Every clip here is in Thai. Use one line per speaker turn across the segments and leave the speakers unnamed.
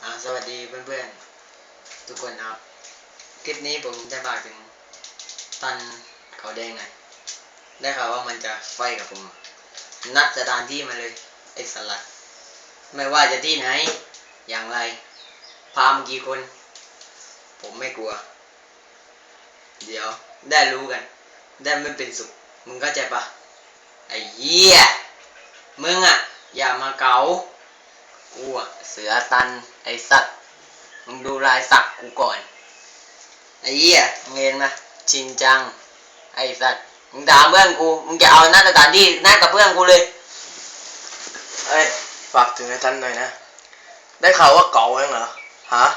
สวัสดีเพื่อนๆทุกคนครับคลิปนี้ผมจะฝากถึงตันเขาแดงหน่อยได้ข่าวว่ามันจะไฟกับผมนัดสถานที่มาเลยไอ้สลัดไม่ว่าจะที่ไหนอย่างไรพามากี่คนผมไม่กลัวเดี๋ยวได้รู้กันได้ไม่เป็นสุขมึงเข้าใจปะไอ้เหี้ยมึงอย่ามาเกากูเสือตันไอ้สัตว์มึงดูลายสักกูก่อนไอ้เหี้ยมึงเห็นไหมชินจังไอ้สัตว์มึงด่าเพื่อนกูมึงจะเอาหน้าสถานที่หน้ากับเพื่อนกูเลย
เอ้ยฝากถึงไอ้ทันหน่อยนะได้ข่าวว่าเก่าเองเหรอฮะ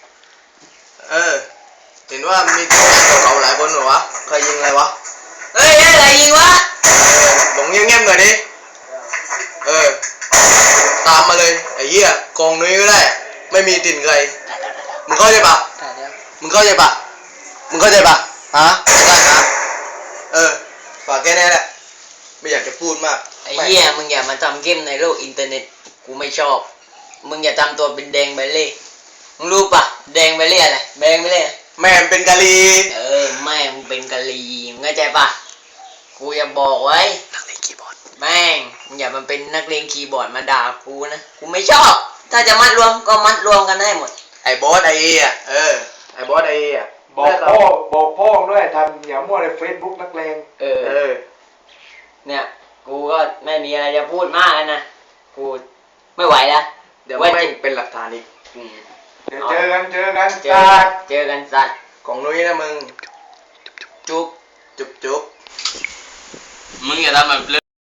เห็นว่ามีตัวเก่าหลายคนเหรอวะใครยิงอะไรวะ
เฮ้ยอะไรยิงวะ
บอกเงียบๆหน่อยดิตามมาเลยไอ้เหี้ยกองนุ้ยก็ได้ไม่มีติ่นใครมึงเข้าใจปะมึงเข้าใจปะมึงเข้าใจปะฮะได้นะฝากแค่นี้แหละไม่อยากจะพูดมาก
ไอ้เหี้ยมึงอย่ามาทำเกมในโลกอินเทอร์เน็ตกูไม่ชอบมึงอย่าทำตัวเป็นแดงใบเล่มึงรู้ปะแดงใบเล่อะไรแดงใบเล่
แม่เป็นกะลี
แม่มึงเป็นกะลีมึงเข้าใจปะกูอย่าบอกไว้
นักเล่นคีย์บอร์ด
แม่งมึงอย่ามาเป็นนักเลงคีย์บอร์ดมาด่ากูนะกูไม่ชอบถ้าจะมัดรวมก็มัดรวมกันได้หมด
ไอ้บอสไอ้ไอ้บอสไอ้
บอกพ่อด้วยทันอย่ามั่วในเฟซบุ๊กนักเลง
เนี่ยกูก็ไม่มีอะไรจะพูดมากแล้วนะกูไม่ไหวแล้ว
เดี๋ยวไม่เป็นหลักฐานอีก
เดี๋ยวเจอกัน
เจอกันสัตว์
ของนุ้ยนะมึง
จุ๊บ
จุ๊บ
มึงอย่าทำแบบ